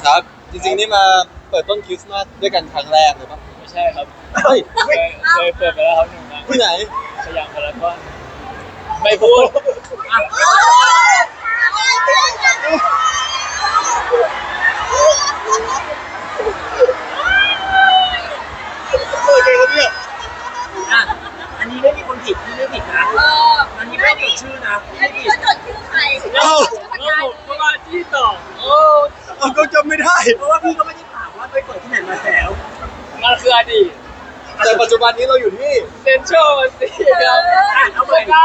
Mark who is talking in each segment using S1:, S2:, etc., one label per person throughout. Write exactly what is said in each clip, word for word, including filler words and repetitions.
S1: ครับจริงๆนี่มาเปิดต้นคริสต์มาสด้วยกันครั้งแรกเลยปะ
S2: ไม่ใช่ครับ
S1: เฮ้ย
S2: เคยเคยเปิดไปแล้วครับหนึ่งครั้ง
S1: ที่ไหน
S2: สยามพารากอนไม่พูดอ่ะ
S1: โอเคครับเนี่ย
S3: อ่ะอันนี้ไม่มีคนผิดที่ไม่ผิดนะอันนี้ไม่ผิดชื่อนะ
S4: อันนี้ก็จดชื่อใคร
S1: เอ้า
S2: แล้วผมก็มาที่ต่อโอ้
S1: เอาก็จำไม่ได้
S3: เพราะว่าพี่ก็ไม่ได้ถามว่าไปเปิดที่ไหนมาแล้ว
S2: มันคืออดีต
S1: แต่ปัจจุบันนี้เราอยู่ที่
S2: เซนทรัลสิครับ
S3: อ่ะเอาใหม่
S2: ได้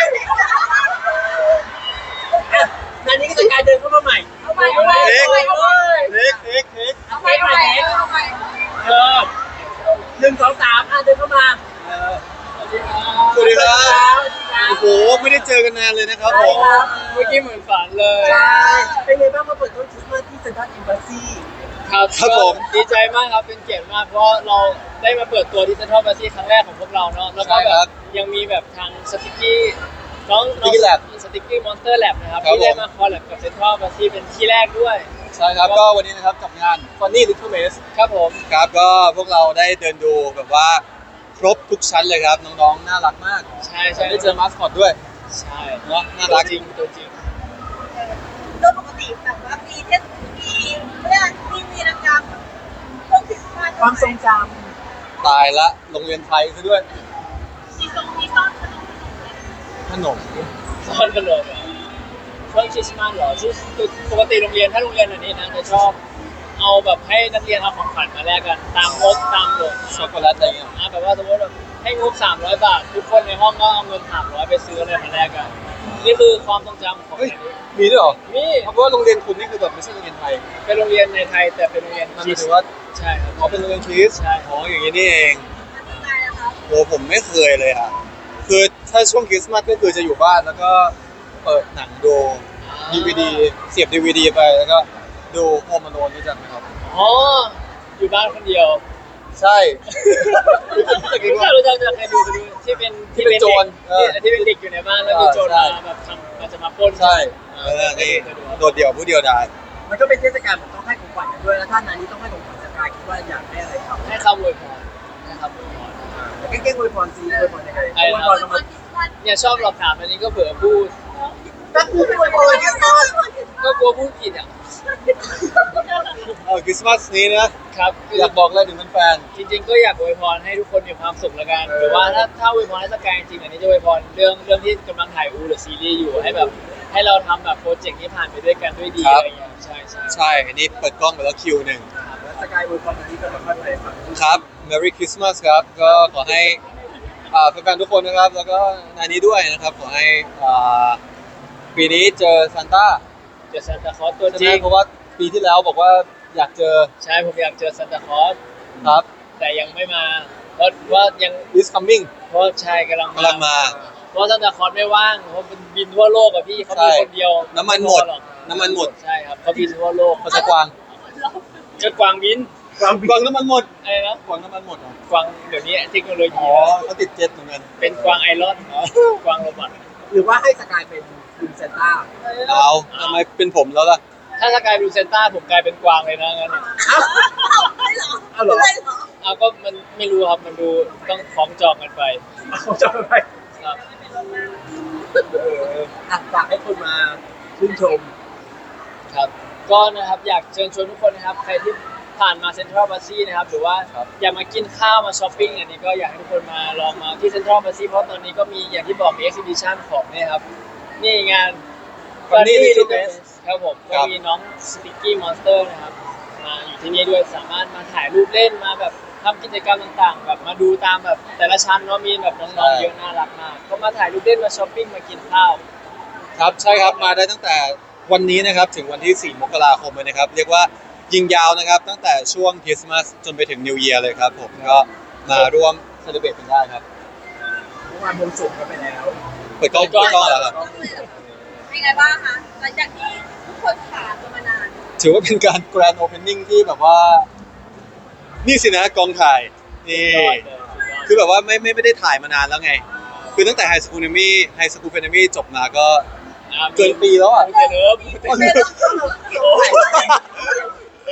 S3: อ่ะอันนี้ก็จะการเดินเข้ามาใหม่
S4: เอาไปเอาไปเอาไปเอาไป
S1: เค้กเค้กเค้ก
S4: เอาไปเอาไปเอาไป
S3: เออหนึ่งสองสามอ่ะเดินเข้ามา
S1: สวัสดีครับ
S3: สวัสดีครับ
S1: โอ้โหไม่ได้เจอกันนานเลยนะครับผม
S2: เมื่อกี้เหมือนฝันเลย
S3: ใช่เป็นไงบ้างมาเปิดต้นคริสต์มาสที่เซ็นทรัลเอมบาซี
S2: ครับ
S1: ครับผม
S2: ดีใจมากครับเป็นเกียรติมากเพราะเราได้มาเปิดตัวที่เซ็นทรัลบาซีครั้งแรกของพวกเราเนาะแล้วก็แบบยังมีแบบทางสติกกี้น้องน้องสติกกี้มอนสเตอร์แลบนะครับที่ได้มาคอลแลบกับเซ็นทรัลบาซีเป็นที่แรกด้วย
S1: ใช่ครับก็วันนี้นะครับกับงาน Funny Little Mess
S2: ครับผม
S1: ครับก็พวกเราได้เดินดูแบบว่าครบทุกชั้นเลยครับน้องๆน่ารักมาก
S2: ใช่ใช่
S1: ได้เจอมาสคอตด้วย
S2: ใช่
S1: เนาะน่ารัก
S2: จริงตัวจริง
S4: โดยปกติแบบว่ามีเทศมีเรื่องมีวีรกรรมพวกคริสต์มาส
S3: ความทรงจ
S1: ตายละโรงเรียนไทยซะด้วย
S4: มีทรงมีซ่อนขนม
S1: ขนม
S2: ซ่อนกันเลยเหรอช่วงคริสต์มาสเหรอคือปกติโรงเรียนถ้าโรงเรียนอันนี้นะจะชอบเอาแบบให้นักเรียนเอาของขวัญมาแลกกันตามงบตามโหลด
S1: ช็อกโกแลตอะไรเงี้ย
S2: นะแบบว่าสมมติแบบให้งบสามร้อยบาททุกคนในห้องก็เอาเงินสามร้อยไปซื้ออะไรมาแลกกันนี่คือความทรงจำของ
S1: เฮ้ย
S2: อันนี้
S1: มีด้วยเหรอ
S2: นี่
S1: เพราะว่าโรงเรียนคุณนี่คือแบบไม่ใช่โรงเรียนไทย
S2: เป็นโรงเรียนในไทยแต่เป็นโรงเรียน
S1: มัน
S2: คริส
S1: ถือว่า
S2: ใช่ครับ
S1: อ๋อเป็นโรงเรียนคริส
S2: ใช่
S1: อ๋ออย่างนี้นี่เอง
S4: อันนี้ไงนะคะ
S1: โหผมไม่เคยเลยอ่ะคือถ้าช่วงคริสต์มาสก็คือจะอยู่บ้านแล้วก็เปิดหนังดูดีวีดีเสียบดีวีดีไปแล้วก็ดูโฮมอโลนรู้จักไหมครับ
S2: อ๋ออยู่บ้านคนเดียว
S1: ใช่
S2: รู้จักรู้จักจะใครดูไปดูที่เป็น
S1: ที่เป็นโจรเออ
S2: ที่เป็นเด็กอยู่ในบ้านแล้วมีโจร
S1: ใช่
S2: มาแบบทำมาจะมาปล้น
S1: ใช่
S2: เอ
S1: เอ
S2: อ
S1: อนี่
S2: เคยดู
S1: โดดเดี่ยวผู้เดียวดาย
S3: ำมันก็เป็นเทศกาลแบบต้องให้ของขวัญกันด้วยแล้วท่านนั้นนี้ต้องให้ของขวัญสกายคิดว่าอยากให้อะไรเขา
S2: ให้คำอวยพรให้คำอวยพร
S3: แต่แก้ๆอวยพรซีอวยพรยังไงอวยพร
S4: ค
S3: ทำไม
S4: นคริสต์มาส
S2: เนี่ยชอบหลอกถามอันนี้ก็เผื่อพูด
S3: ก็คืออวยพรกันก่อน
S2: ก็กลัวพูดผิดอ่ะ
S1: เออคริสต์มาสนี้นะครับ
S2: คือ
S1: อยากบอกอะไรถึงแฟน
S2: จริงๆก็อยากอวยพรให้ทุกคนมีความสุขละกันหรือว่าถ้าถ้าอวยพรให้สกายจริงๆอันนี้จะอวยพรเรื่องเรื่องที่กำลังถ่ายอูหรือซีรีส์อยู่ให้แบบให้เราทำแบบโปรเจกต์นี้ผ่านไปด้วยกันด้วยดีอะไรอย่างเงี้ยใช่ใช่
S1: ๆใช่อันนี้เปิดกล้องไปแล้วคิวหนึ่ง
S3: แล้วสกายอวยพรอันนี้ก็แบบค่อยไปฟัง
S1: ครับ Merry Christmas ครับก็ขอให้อ่าแฟนๆทุกคนนะครับ แล้วก็นายนี้ด้วยนะครับขอให้อ่าปีนี้เจอซานต้า
S2: เจอซานตาคลอสตัว
S1: ใช่
S2: จ
S1: ไห
S2: ริ
S1: ม
S2: ง
S1: เพราะว่าปีที่แล้วบอกว่าอยากเจอ
S2: ใช่ผมอยากเจอซานตาคลอส
S1: ครับ
S2: แต่ยังไม่มาเพราะว่ายัง
S1: is coming
S2: เพราะใช่กำลัง
S1: กำลังมา
S2: เพราะซานตาคลอสไม่ว่างเพราะมันบินทั่วโลกอะพี่เขามีคนเดียว
S1: น้ำมันหมด
S2: ไพอรอก
S1: น้ำมันหมด
S2: ใช่ครับเขาบินทั่วโลก
S1: ภาษากวาง
S2: เจะกวางบิน
S1: กวางกวางน้ำมันหมด
S2: อะไรนะ
S1: กวางน้ำมันหมดเหรอก
S2: วางเดี๋ยวนี้เทคโนโล
S1: อ๋
S2: ยี
S1: อเขาติดเจ็ตเหมือนกัน
S2: เป็นกวางไอรอนกวางโรบอท
S3: หรือว่าให้สกายเป็นคุณเซนต้า
S1: เอาทำไมเป็นผมแล้วล่ะ
S2: ถ้าสกายดูเซนต้าผมกลายเป็นกวางเลยนะงั้นอะ
S3: เอาเหรอ
S4: เลยเหรอ
S2: เอาก็มันไม่รู้ครับมันดูต้องคล้องจองกันไป
S3: เอาจะไป
S2: ครับ
S3: เอออ่ะฝากให้คนมาชื่นชม
S2: ครับก็นะครับอยากเชิญชวนทุกคนนะครับใครที่ผ่านมาเซ็นทรัลบาซีนะครับหรือว่า
S1: ครับ
S2: อยากมากินข้าวมาช้อปปิ้งอันนี้ก็อยากให้ทุกคนมาลองมาที่เซ็นทรัลบาซีเพราะตอนนี้ก็มีอย่างที่บอกมีเอ็กซิบิชันของเนี่ยครับนี่งาน
S1: Funny
S2: Funny
S1: Little
S2: Little
S1: Mess
S2: Mess ครับผม
S1: ครั
S2: ก็
S1: บ
S2: มีน้องสติกกี้มอนสเตอร์นะครับมาอยู่ที่นี่ด้วยสามารถมาถ่ายรูปเล่นมาแบบทำกิจกรรมต่างๆ แบบมาดูตามแบบแต่ละชั้นเนาะมีแบบน้องๆเยอะน่ารักมากก็มาถ่ายรูปเล่นมาช้อปปิ้งมากินข้าว
S1: ครับใช่ครับมาได้ตั้งแต่วันนี้นะครับถึงวันที่สี่มกราคมเลยนะครับเรียกว่ายิงยาวนะครับตั้งแต่ช่วงคริสต์มาสจนไปถึงนิวเยียร์เลยครับผมก็มาร่วมเซเลบรตกันได้ครับ
S3: เมื่อวานบวงสรวงกันไปแล้ว
S1: เปิดกล้องเปิดกล้องแล้วครับ
S4: เป็นไงบ้างคะหลังจากที่ทุกคนผ่านกันมานาน
S1: ถือว่าเป็นการแกรนด์โอเพนนิ่งที่แบบว่า นี่สินะกองถ่ายนี่คือแบบว่าไม่ไม่ไม่ได้ถ่ายมานานแล้วไง คือตั้งแต่ไฮสคูลเนมี่ไฮสคูลเฟนมี่จบมาก็เกินปีแล้วอ่ะ
S2: เจเลิฟ
S3: เป็นเรื่อง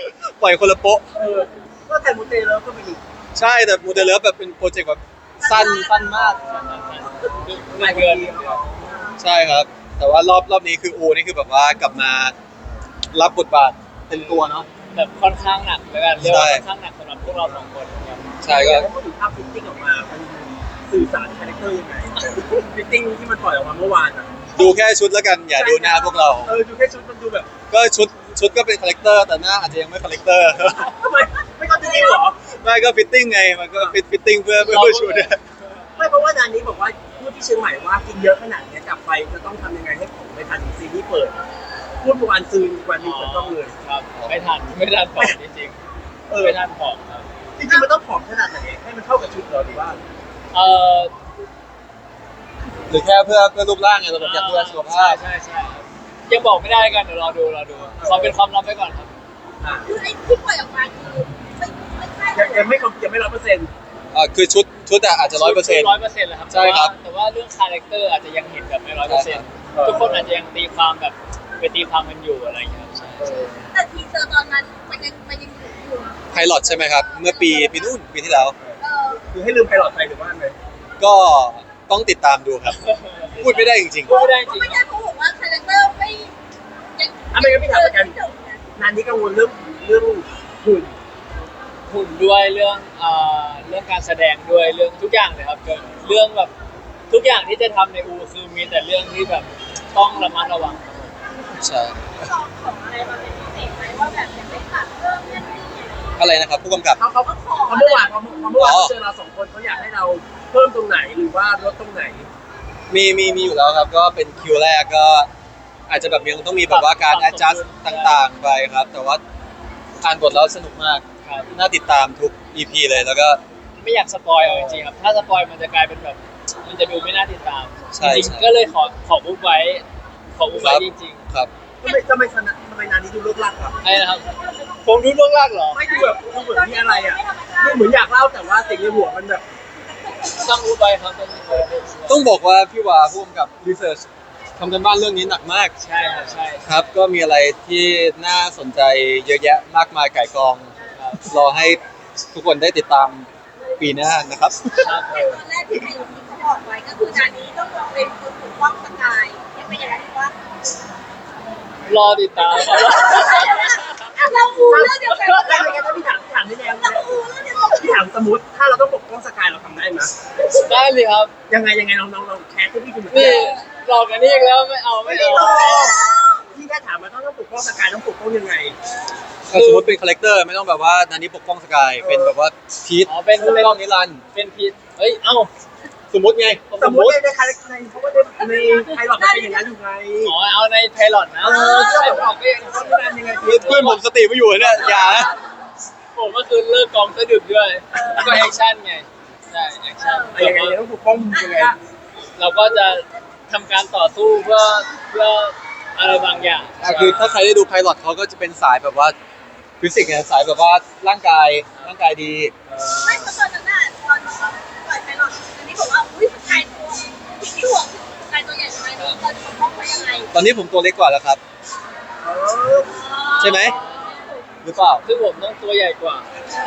S1: ล่อยคนละโป๊ะ
S3: เออก็แต่มูเตแล้วก็เป็นอีก
S1: ใช่แต่มูเตเลิฟแบบเป็นโปรเจกต์แบบสั้นสั้นมาก
S2: หลายเดือน
S1: ใช่ครับ แต่ว่ารอบรอบนี้คืออูนี่คือแบบว่ากลับมารับบทบาทเต็มตัวเนาะ
S2: แบบค่อนข้างหนักแล้วกันเรียกว่า
S1: ใช่
S2: ค่อนข้างหนักสำหรับพวกเราสองคนครับ
S1: ใช่ก็
S3: แล้วพูดถึงภาพฟิตติ้งออกมามันสื่อสารคาแรคเตอร์ยังไงฟิตติ้งที่มันปล่อยออกมาเมื่อวานอ่ะ
S1: ดูแค่ชุดแล้วกันอย่าดูหน้าพวกเรา
S3: เออดูแค่ชุดมันดูแบบ
S1: ก็ชุดชุดก็เป็นคาแรคเตอร์แต่หน้าอาจจะยังไม่คาแรคเตอร์
S3: ทำไมไม่เข้าใจเหรอ
S1: ไม่ก็ฟิตติ้งไงมันก็ฟิตฟิตติ้งเพื่อเพื่อเพื่อชุดอะ
S3: ไม่เพราะว่านานนี้บอกว่าพูดที่เชียงใหม่ว่ากินเยอะขนาดนี้กลับไปจะต้องทำยังไงให้ผมไปทันซีรีส์เปิดพูดเมื่อวานซืนวันนี้เปิดกล้องเลย
S2: ครับไม่ทันไม่ทันผอมจริง
S3: เอ
S2: ๆ
S3: อ
S2: ไม่ทันผอมครับ
S3: จริงๆมันต้องผอมขนาดไหนให้มันเข้ากับชุดเหรอหรือว่า
S2: เออ
S1: หรือแค่เพื่อเพื่อรูปร่างไงเราแบบอยากดูแลสุขภาพ
S2: ใช่ใช่ครับยังบอกไม่ได้กันเดี๋ยวรอดูรอดูขอเป็นความลับไว้ก่อนครับ
S3: อ่า
S4: คือไอ้ที่ปล่อยออกมาคือไม่ไม่ใช่
S3: ยังยังไม่ครบยังไม่ร้อยเปอร์เซ็นต์
S1: อ่าคือชุดชุดอะอาจจะร้อยเปอร์เซ็นต์
S2: ร้อยเปอร์เซ็นต์เลยครับ
S1: ใช่ครับ
S2: แต่ว่าแต่ว่าเรื่องคาแรคเตอร์อาจจะยังเห็นแบบไม่ร้อยเปอร์เซ็นต์ทุกคนอาจจะยังตีความแบบไปตีความมันอยู่อะไรอย่างเงี้ยครับใช่
S4: แต่ทีเซอร์ตอนนั้นมันยังมันยังอยู่
S1: ไพลอตใช่ไหมครับ เมื่อปีปีนู่นปีที่แล้ว
S4: เออ
S3: คือให้ลืมไพลอตไปหรือว่าไง
S1: ก็ต้องติดตามดูครับ พูดไม่ได้จริง
S2: พูดไม่ได้จริง
S4: ไม่ได้เขาบอกว่าคาแรคเตอร์ไม่ยัง
S3: อ่ะไม่งั้นพี่ถามประกันนานนี้กังวลเรื่องเรื่องหุ่น
S2: หุ่นด้วยเรื่องเอ่อเรื่องการแสดงด้วยเรื่องทุกอย่างเลยครับเกิดเรื่องแบบทุกอย่างที่จะทำในอูคือมีแต่เรื่องที่แบบต้องระมัดระวังครับผม
S1: ๆใช่
S4: ลองของอะไรมาเป็นพิเศษไหมว่าแบบอยากได้ตัดเพิ่มนั่นนี่อะไรอย่างเงี้ย
S1: อะไรนะครับผู้กำกับ
S3: เขาเขา
S4: ก็ขอ
S3: เขาเมื่อวานเขาเขาเมื่อวาน
S1: อ๋อ
S3: เขาเจอเราสองคนเขาอยากให้เราเพิ่มตรงไหนหรือว่าลดตรงไหน
S1: มีมีมีอยู่แล้วครับ ก็เป็นคิวแรกก็ อาจจะแบบยังต้องมีแบบว่าการ adjust ต่างๆไปครับ แต่ว่าอ่านบทแล้วสนุกมาก
S2: ครับ
S1: น่าติดตามทุก อี พี เลยแล้วก็
S2: ไม่อยากสปอยเอาจริงๆครับถ้าสปอยมันจะกลายเป็นแบบมันจะดูไม่น่าติดตาม
S1: ใช่
S2: จริง
S1: ใช่
S2: ๆก็เลยขอขอบุ๊กไว้ขอบุ๊ก
S1: ค
S2: ไว้
S1: รับ
S2: จริง
S1: ครับ
S3: ทำไมทำไมทำไมนานนี้ดูเลิกลักอ่ะ
S2: ๆไอ้นะครับผมดูล่วงลากเหรอ
S3: ไม่ดูแบบดูเหมือนมีอะไรอ่ะดูเหมือนอยากเล่าแต่ว่าสิ่งในหัวมันแบบ
S2: ต้องรู้ไปครับต้องรู้ไป
S1: ต้องบอกว่าพี่วาผู้กำกับ research ทำกันบ้านเรื่องนี้หนักมาก
S2: ใช่ครับใช่
S1: ครับ ก็มีอะไรที่น่าสนใจเยอะแยะมากมายไก่กอง
S2: ครับ
S1: รอให้ทุกคนได้ติดตามปีหน้านะครับ
S2: ครับ
S4: แต่ตอนแรกที่ไทยที่เขาบอกไว้ก็คือด่านนี้ต้องลองเป็นคนปกป้องสกายยังเป็นอย่างนั้นว่าร
S2: อติดตามครับ
S4: เราอูเรื่องเดียวกัน
S3: แล้วอะไรกันถ้าพี่ถามถามได้แล้ว
S4: เราอูเรื่องเดียวกัน
S3: พี่ถามสมมติถ้าเราต้องปกป้องสกายเราทำได้ไหม
S2: ได้เลยครับ
S3: ยังไงยังไงลองลองลองแคสให้พี่ดูหน่อย
S2: นี่หลอกกันนี่อีกแล้วไม่เอาไม่เอา
S3: พี่แค่ถามมาต้องต้องปกป้องสกายต้องปกป้องยังไง
S1: ถ้าสมมติเป็นคาแรคเตอร์ไม่ต้องแบบว่านันนี้ปกป้องสกายเป็นแบบว่าพีท
S2: อ๋อเป็น
S1: ปก
S2: เป็น
S1: ป้องนิรันดร์
S2: เป็นพีทเฮ้ยเอ้า
S1: สมมติไง
S3: สมมติในในคาแรคเตอร์ในเพราะว่าในในไพลอตมันเป็นอย่างนั้นอยู่ไง
S2: อ๋อเอาในไพลอตนะ
S3: เออ
S2: ใช่ผมก็ยัง
S3: ต้องการยังไง
S1: เพื่อนผมสติไม่อยู่เนี่ยอย่านะ
S2: ผมก็คือเลิกกองสะดึกด้วยแล้วก็แอคชั่นไงใช่แอคชั่น
S3: ยังไงต้องปกป้องยังไง
S2: เราก็จะทำการต่อสู้เพื่อเพื่ออะไรบางอย่าง
S1: อ่ะคือถ้าใครได้ดูไพลอตเขาก็จะเป็นสายแบบว่าฟิสิกส์ไงสายแบบว่าร่างกายร่างกายดี
S4: ไม่เพราะตอนนั้นน่ะตอนปล่อยไปหรอกอันนี้บอกว่าอุ้ยสกายตัวที่ห่วงสกายตัวใหญ่ทำไมเราจะปกป้องเขายังไง
S1: ตอนนี้ผมตัวเล็กกว่าแล้วครับ ใช่ไหม หรือเปล่า
S2: คือผมต้องตัวใหญ่กว่า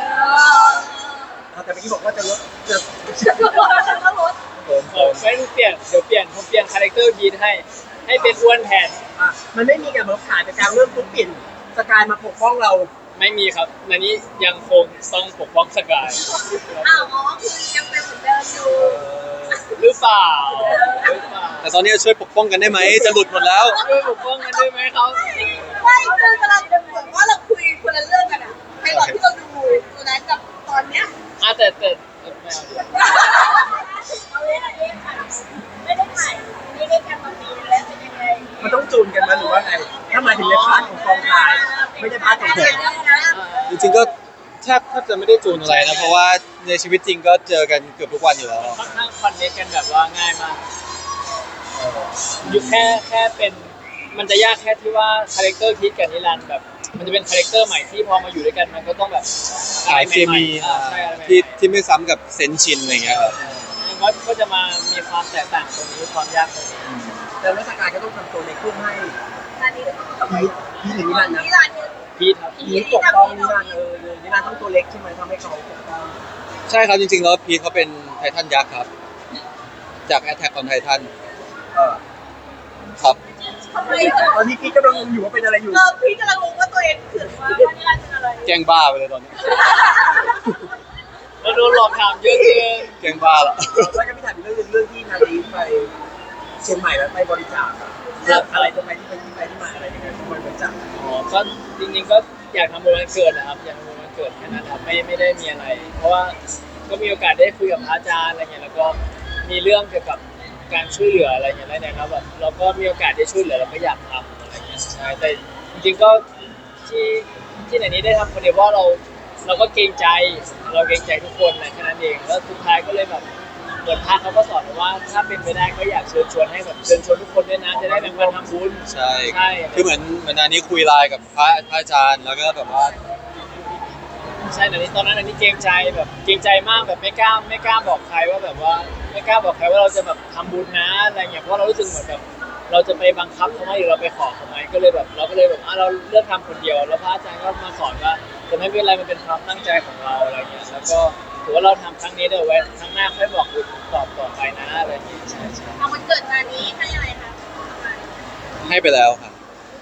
S3: แต่เมื่อกี้บอกว่าจะลดจะ
S1: ผม
S2: เออไม่เปลี่ยนเดี๋ยวเปลี่ยนผมเปลี่ยนคาแรคเตอร์พีทให้ให้เป็นอ้วนแทน
S3: อ่ะมันไม่มีการมาผ่านจากการเริ่มปุ๊บเปลี่ยนสกายมาปกป้องเรา
S2: ไม่มีครับนันนี้ยังคงต้องปกป้องสกาย
S4: อ้าวอ๋อคือยังเป็นเหมือนเดิมอยู่
S2: หรือเปล่าหรือเปล่า
S1: แต่ตอนนี้ช่วยปกป้องกันได้ไหมจะหลุดหมดแล้ว
S2: ช่วยปกป้องกันได้ไหมครับ
S4: ไม่คือเวลาเหมือนว่าเราคุยคนละเรื่องกันอะไพลอตที่เราดูตัวนั้นกับตอนเนี้ย
S2: อ่ะแต่แต่แต่ไม่เอาดี
S4: เอาเล่นอะไรค่ะไม่ได้ถ่ายไม่ได้กันมาปีแล้วเป็นยังไง
S3: มันต้องจูนกันมาหรือว่าไงถ้ามาถึงในพาร์ทของกองถ่ายไม่ได้พาร์ทของผม
S1: จริงๆก็แทบแทบจะไม่ได้จูนอะไรนะ เพราะว่าในชีวิตจริงก็เจอกันเกือบทุกวันอยู่แล้ว
S2: ค่อนข้างคอนเนคกันแบบว่าง่ายมากอยู่แค่แค่เป็นมันจะยากแค่ที่ว่าคาแรคเตอร์พีทกับนิรันดร์แบบ มันจะเป็นคาแรคเตอร์ใหม่ที่พอมาอยู่ด้วยกันมันก็ต้องแบบ
S1: สายเคมี
S2: อ่าใช่อะไรใหม่ๆ
S1: ที่ที่ไม่ซ้ำกับเซนชินอะไรอย่างเงี้ยครับ
S2: มันก็ก็จะมามีความแตกต่างตรงนี้ความยากตรงนี้
S3: แต่ว่าสกายก็ต้องทำตัวในเครื่องให้
S4: อันนี้ก็ต้อง
S3: พีทพีทหรือนิรันดร์นะ
S4: นิรันดร์
S1: พี
S2: พีทครับ
S3: พีทปกป้องนิรันดร์เออนิรันดร์ต้องตัวเล็กใช่ไหมทำให้เขาปกป้อง
S1: ใช่ครับจริงๆแล้วพีทเขาเป็นไททันยักษ์ครับจาก Attack on Titan
S3: เออ
S1: ครับ
S4: ทำไม
S3: ตอนนี้พีทกำลังงงอยู่ว่าเป็นอะไรอยู่
S4: เออพี่กำลังงงว่าตัวเองถือว่าว่านี่เป็นอะไร
S1: แกล้งบ้าไปเลยตอนนี้
S2: เราโดนหลอกถามเยอะเกิน
S1: แกล้งบ้าละ
S3: แล้วก็พี่ถามอีกเรื่องหนึงเรื่องที่นาดีไปเชียงใหม่แล้วไปบริจาคอะเรื่องอะไรทำไมที่ไปที่ไปที่มาอะไรยังไงต้องไปบริจาค
S2: อ๋อก็จริงๆก็อยากทำบุญวันเกิดนะครับอยากทำบุญวันเกิดแค่นั้นครับไม่ไม่ได้มีอะไร เพราะว่าก็มีโอกาสได้คุยกับพระอาจารย์อะไรเงี้ยแล้วก็มีเรื่องเกี่ยวกับการช่วยเหลืออะไรเงี้ยแล้วเนี่ยครับแบบเราก็มีโอกาสได้ช่วยเหลือเราก็อยากทำอะไรเงี้ยใช่แต่จริงๆก็ที่ที่ไหนนี้ได้ทำคนเดียวเพราะเราเราก็เกรงใจเราเกรงใจทุกคนนะแค่นั้นเองแล้วสุดท้ายก็เลยแบบเหมือนพระเขาก็สอนว่าถ้าเป็นไปได้ก็อยากเชิญชวนให้แบบเชิญชวนทุกคนด้วยนะจะได้แบ่งปันทำบุญ
S1: ใช่
S2: ใช่
S1: คือเหมือนเหมือนอันนี้คุยไลน์กับพระพระอาจารย์แล้วก็แบบว่า
S2: ใช่แต่นี้ตอนนั้นอันนี้เกรงใจแบบเกรงใจมากแบบไม่กล้าไม่กล้าบอกใครว่าแบบว่าไม่กล้าบอกใครว่าเราจะแบบทำบุญนะอะไรเงี้ยเพราะเรารู้สึกเหมือนแบบเราจะไปบังคับเขาไหมหรือเราไปขอเขาไหมก็เลยแบบเราก็เลยแบบอ่ะเราเลือกทำคนเดียวแล้วพระอาจารย์ก็มาสอนว่าจะไม่เป็นไรมันเป็นความตั้งใจของเราอะไรเงี้ยแล้วก็ถือว่าเราทำครั้งนี้เดี๋ยวไว้ครั้งหน้าค่อยบอกบุญตอบต่อไปนะอะไรเงี้ยใช่ใช่
S4: เอาวันเกิดงานนี้ให้อะไรคะ
S1: ให้ไปแล้วครับ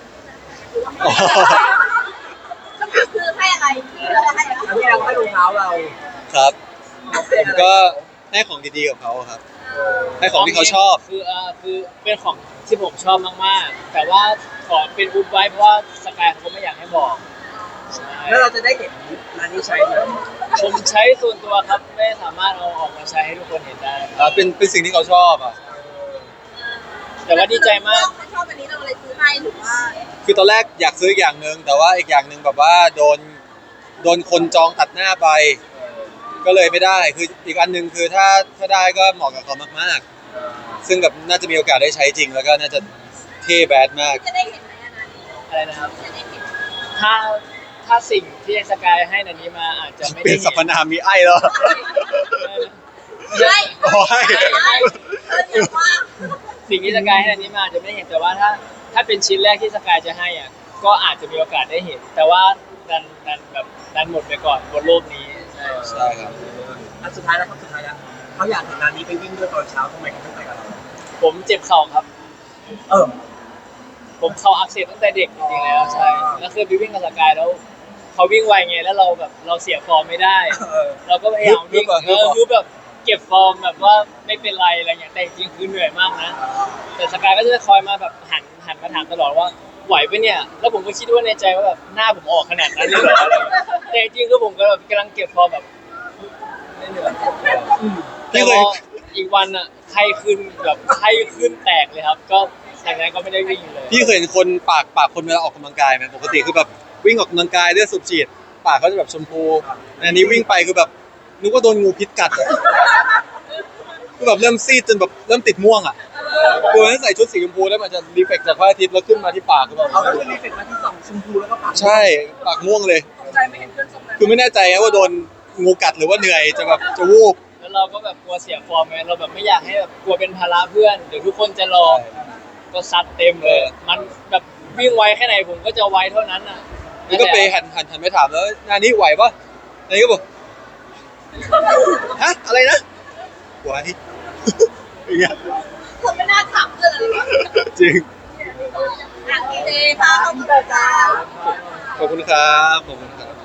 S4: คำถามคือให้อะไรที่เราให้อะไร
S3: อันนี้เราให้รองเท้าเรา
S1: ครับผมก็ให้ของดีๆกับเขาครับ ให้ของที่เขาชอบ
S2: คือเอ่อคือเป็นของที่ผมชอบมากๆ แต่ว่าขอเป็นอุบไว้เพราะว่าสกายเขาก็ไม่อยากให้บอกใช่
S3: แล้วเราจะได้เห็นร้านนี้ใช้ไหม
S2: ผมใช้ส่วนตัวครับไม่สามารถเอาออกมาใช้ให้ทุกคนเห็นได้
S1: อ่าเป็นเป็นสิ่งที่เขาชอบอ่ะ
S2: แต่ว่าดีใจมาก
S4: เขาชอบอันนี้เราเลยซื้อให้หรือว่า
S1: คือตอนแรกอยากซื้ออีกอย่างหนึ่งแต่ว่าอีกอย่างหนึ่งแบบว่าโดนโดนคนจองตัดหน้าไป ก็เลยไม่ได้คืออีกอันหนึ่งคือถ้าถ้าได้ก็เหมาะกับเขามากๆ ซึ่งแบบน่าจะมีโอกาสได้ใช้จริง แล้วก็น่าจะเท่แบดมาก
S4: จะได้เห็นไหมอันนั้น
S2: อะไรนะครับ
S4: จะได้เห็น
S2: ถ้าถ้าสิ่งที่สกายให้นันนี้มาอาจจะไม่
S1: เป็
S2: ได้
S1: นสรรพนามมีไอ้แล้ว
S4: ใช่
S1: โอ้ย
S4: ใช่เอออย่างว่า
S2: สิ่งที่สกายให้นันนี้มาอาจจะไม่เห็นแต่ว่าถ้าถ้าเป็นชิ้นแรกที่สกายจะให้อ่ะก็อาจจะมีโอกาสได้เห็น แต่ว่าดันดันแบบดันหมดไปก่อนบนโลกนี้ใช่
S1: ใช่ครับ
S3: อันสุดท้ายแล้วครับสุดท้ายแล้วเขาอยากเห็นร้านนี้ไปวิ่งด้วยตอนเช้าทำไมเขาไม่ไปกับเรา
S2: ผมเจ็บเข่าครับ
S3: เออ
S2: ผมเข่าอักเสบตั้งแต่เด็กจริงๆแล้วใช่แล้วเคยไปวิ่งกับสกายแล้วเขาวิ่งไวไงแล้วเราแบบเราเสียฟอร์มไม่ได้
S3: เออ
S2: เราก็พยายามวิ่ง
S1: ฮึบอะฮึบอะ
S2: เออคือแบบเก็บฟอร์มแบบว่าไม่เป็นไรอะไรเงี้ยแต่จริงๆคือเหนื่อยมากนะแต่สกายก็จะคอยมาแบบหันหันมาถามตลอดว่าไหวปะเนี่ยแล้วผมก็คิดว่าในใจว่าแบบหน้าผมออกขนาดนั้นเลยเหรออะไรเงี้ยแต่จริงๆคือผมก็แบบกำลังเก็บฟอร์มแบบไม่เหนื่อยแต่พออีกวันอ่ะไข้ขึ้นแบบไข้ขึ้นแตกเลยครับ ก็จากนั้นก็ไม่ได้วิ่งเลย
S1: พี่เคยเห็นคนปากปากคนเวลาออกกำลังกายไหมปกติคือแบบวิ่งออกกำลังกายเลือดสูบฉีดปากเขาจะแบบชมพูอันนี้วิ่งไปคือแบบนึกว่าโดนงูพิษกัดอะคือแบบเริ่มซีดจนแบบเริ่มติดม่วงอ่ะคือถ้าใส่ชุดสีชมพูแล้วมันจะรีเฟกจากพระอาทิตย์แล้วขึ้นมาที่ปากคือแบบ
S3: เขาก็คือรีเฟกมาที่สองชมพูแล้วก็ปาก
S1: ใช่ปากม่วงเลย
S4: ใจไม่เห็นเพื่อนสมนั้น
S1: คือไม่แน่ใจนะว่าโดนงูกัดหรือว่าเหนื่อยจะแบบจะวูบ
S2: แล้วเราก็แบบกลัวเสียฟอร์มไงเราแบบไม่อยากให้แบบกลัวเป็นภาระเพื่อนเดี๋ยวทุกคนจะรอก็ซัดเต็มเลย มันแบบวิ่งไวแค่ไหนผมก็จะไวเท่านั้นอ่ะ
S1: แล้วก็ไปหันหันหันไปถามแล้วงานนี้ไหวปะนายก็บอกฮะอะไรนะไหวอย่างเงี้ย
S4: ผมไม่น่าถามเพื่อนเลยว่า
S1: จริง
S4: อ่ะดีเจพาเขาเปิดจ้า
S1: ขอบคุณครับขอบคุณครับ